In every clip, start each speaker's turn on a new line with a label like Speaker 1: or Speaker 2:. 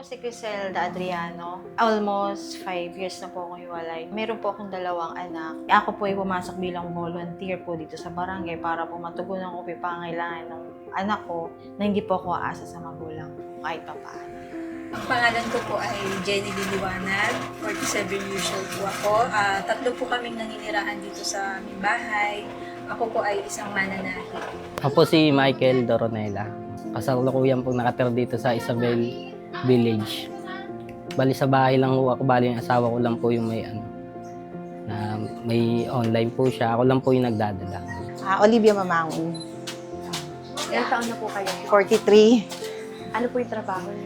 Speaker 1: po si Criselda Adriano. Almost 5 years na po akong hiwalay. Meron po akong 2 anak. Ako po ay pumasok bilang volunteer po dito sa barangay para po matugunan ko po yung pangangailangan ng anak ko na hindi po ako aasa sa magulang kahit pa paano.
Speaker 2: Ang pangalan ko po ay Jenny Liliwanag, 47 years old po ako. 3 po kaming naninirahan dito sa aming bahay. Ako po ay isang mananahi.
Speaker 3: Ako po si Michael Doronela. Kasalukuyan po nakatira dito sa Isabel Village. Bali sa bahay lang po ako, bali yung asawa ko lang po yung na may online po siya. Ako lang po yung nagdadala.
Speaker 4: Olivia Mamangon,
Speaker 5: Ilang taon na po kayo?
Speaker 4: 43,
Speaker 5: Ano po yung trabaho niyo?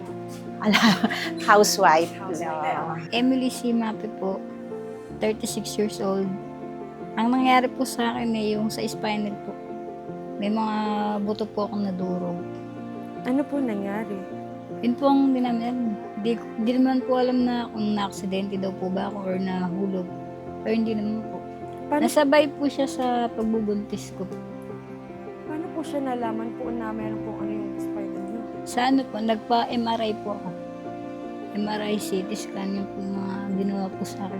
Speaker 4: housewife.
Speaker 6: Emily C. Mape po, 36 years old. Ang nangyari po sa akin ay yung sa spinal po. May mga buto po akong nadurog.
Speaker 5: Ano po nangyari?
Speaker 6: Yun po ang dinaman. Di naman po alam na kung na-aksidente daw po ba ako or nahulog. Pero hindi naman po. Nasabay po siya sa pagbubuntis ko.
Speaker 5: Paano po siya nalaman po na meron po ano yung spinal niyo?
Speaker 6: Sa ano po, nagpa-MRI po ako. MRI, CT scan yung po mga ginawa po sa akin.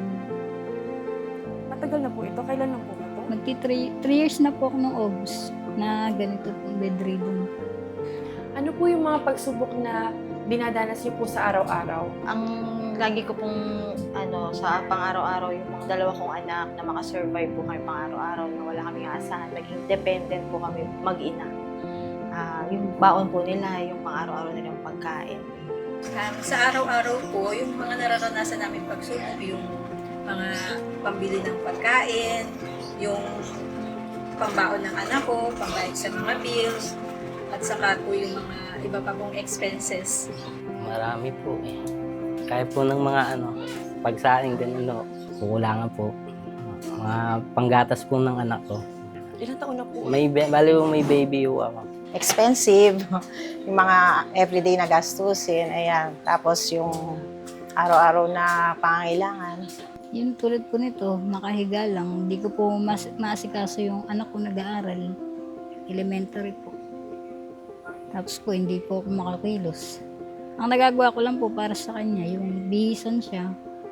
Speaker 5: Matagal na po ito? Kailan lang po ito?
Speaker 6: Magti 3 years na po ako ng August na ganito po bedridden.
Speaker 5: Ano po yung mga pagsubok na dinadanas niyo po sa araw-araw?
Speaker 1: Ang lagi ko pong sa pang-araw-araw yung mga 2 kong anak na makasurvive po kami pang-araw-araw na wala kaming aasahan, maging dependent po kami mag-ina. Yung baon po nila, yung pang-araw-araw nilang pagkain.
Speaker 2: Sa araw-araw po, yung mga nararanasan namin pagsubok, yung mga pambili ng pagkain, yung pambaon ng anak ko, pambayad sa mga bills, at saka po yung mga iba pa pong expenses.
Speaker 3: Marami po eh. Kaya po ng mga pagsaing din kukulangan po. Mga panggatas po ng anak ko.
Speaker 5: Ilang taon na po?
Speaker 3: May baby po ako.
Speaker 4: Expensive. Yung mga everyday na gastusin, ayan. Tapos yung araw-araw na pangangailangan.
Speaker 6: Yung tulad po nito, nakahiga lang. Hindi ko po maasikaso yung anak ko nag-aaral. Elementary po. Tapos po, hindi po ako makakilos. Ang nagagawa ko lang po para sa kanya, yung bihisan siya.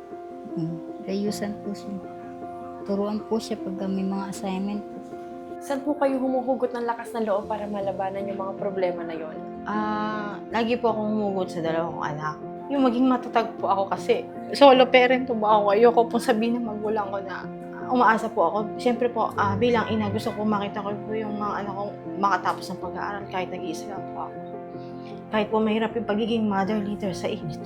Speaker 6: Gayusan po siya. Turuan po siya pag may mga assignment po.
Speaker 5: Saan po kayo humuhugot ng lakas ng loob para malabanan yung mga problema na yon?
Speaker 1: Lagi po akong humugot sa 2 kong anak. Yung maging matatag po ako kasi solo parent po ako. Ayoko pong sabihin ng magulang ko na umaasa po ako. Siyempre po, bilang ina, gusto ko makita ko po yung mga anak kong makatapos ng pag-aaral kahit nag-iisa lang po ako. Kahit po mahirap yung pagiging mother leader sa init.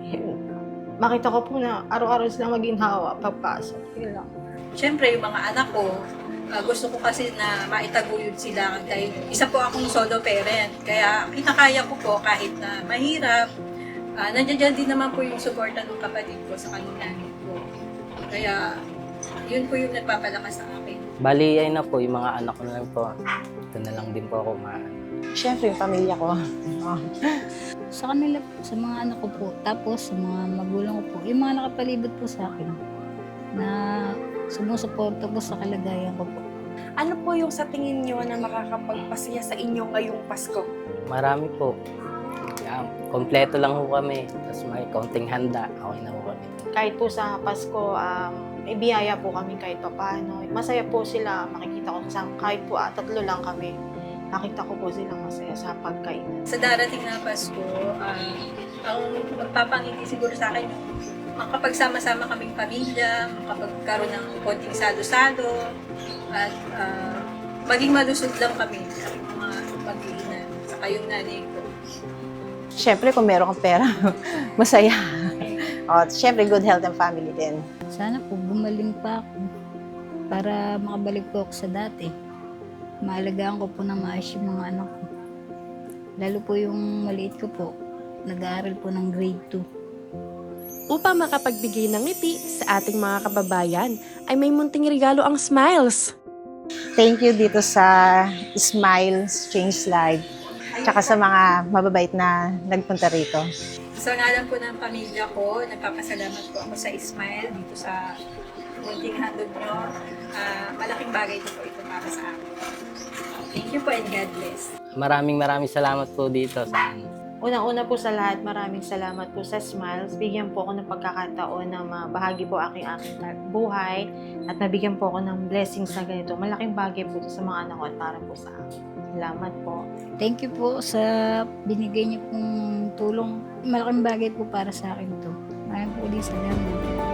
Speaker 1: Makita ko po na araw-araw sila maginhawa pagpasok. Yun lang.
Speaker 2: Siyempre, yung mga anak ko, gusto ko kasi na maitaguyod sila dahil isa po akong solo parent. Kaya kinakaya ko po kahit na mahirap. Nandiyan din naman po yung suporta ng kapatid ko sa kanila ko. Kaya yun po yung nagpapalakas sa akin.
Speaker 3: Bali, ayun na po, yung mga anak ko na lang po. Ito na lang din po ako
Speaker 4: Siyempre, yung pamilya ko.
Speaker 6: Sa kanila po, sa mga anak ko po, tapos sa mga magulang ko po, yung mga nakapalibot po sa akin na sumusuporta po sa kalagayan ko po.
Speaker 5: Ano po yung sa tingin niyo na makakapagpasaya sa inyo ngayong Pasko?
Speaker 3: Marami po. Kompleto lang ho kami. Tapos may kaunting handa. Okay na ho kami.
Speaker 1: Kahit po sa Pasko, may biyaya po kami kahit pa paano. Masaya po sila, makikita ko kasama. Kahit po 3 lang kami, nakita ko po silang masaya sa pagkainan.
Speaker 2: Sa darating na Pasko, ang magpapangiti siguro sa akin yung makapagsama-sama kaming pamilya, makapagkaroon ng konting salo-salo, at maging malusog lang kami sa mga pag-iinan, saka yung nanay ko.
Speaker 4: Siyempre, kung meron kang pera, masaya. At siyempre, good health and family din.
Speaker 6: Sana po gumaling pa ako para makabalik po ako sa dati. Maalagaan ko po na maayos yung mga anak ko. Lalo po yung maliit ko po, nag-aaral po ng grade 2.
Speaker 5: Upang makapagbigay ng ngiti sa ating mga kababayan, ay may munting regalo ang Smiles.
Speaker 4: Thank you dito sa Smiles Change Life. Tsaka sa mga mababait na nagpunta rito.
Speaker 2: Sa ngalan po ng pamilya ko, nagpapasalamat po ako sa Ismael dito sa munting handog nyo. Malaking bagay po ito para sa akin. Thank you po and God bless.
Speaker 3: Maraming salamat po dito
Speaker 1: Unang-una po sa lahat, maraming salamat po sa Smiles. Bigyan po ako ng pagkakataon na mabahagi po aking buhay at nabigyan po ako ng blessings na ganito. Malaking bagay po ito sa mga anak ko at para po sa akin. Salamat po.
Speaker 6: Thank you po sa binigay niyo pong tulong. Malaking bagay po para sa akin to. Maraming po ulit salamat.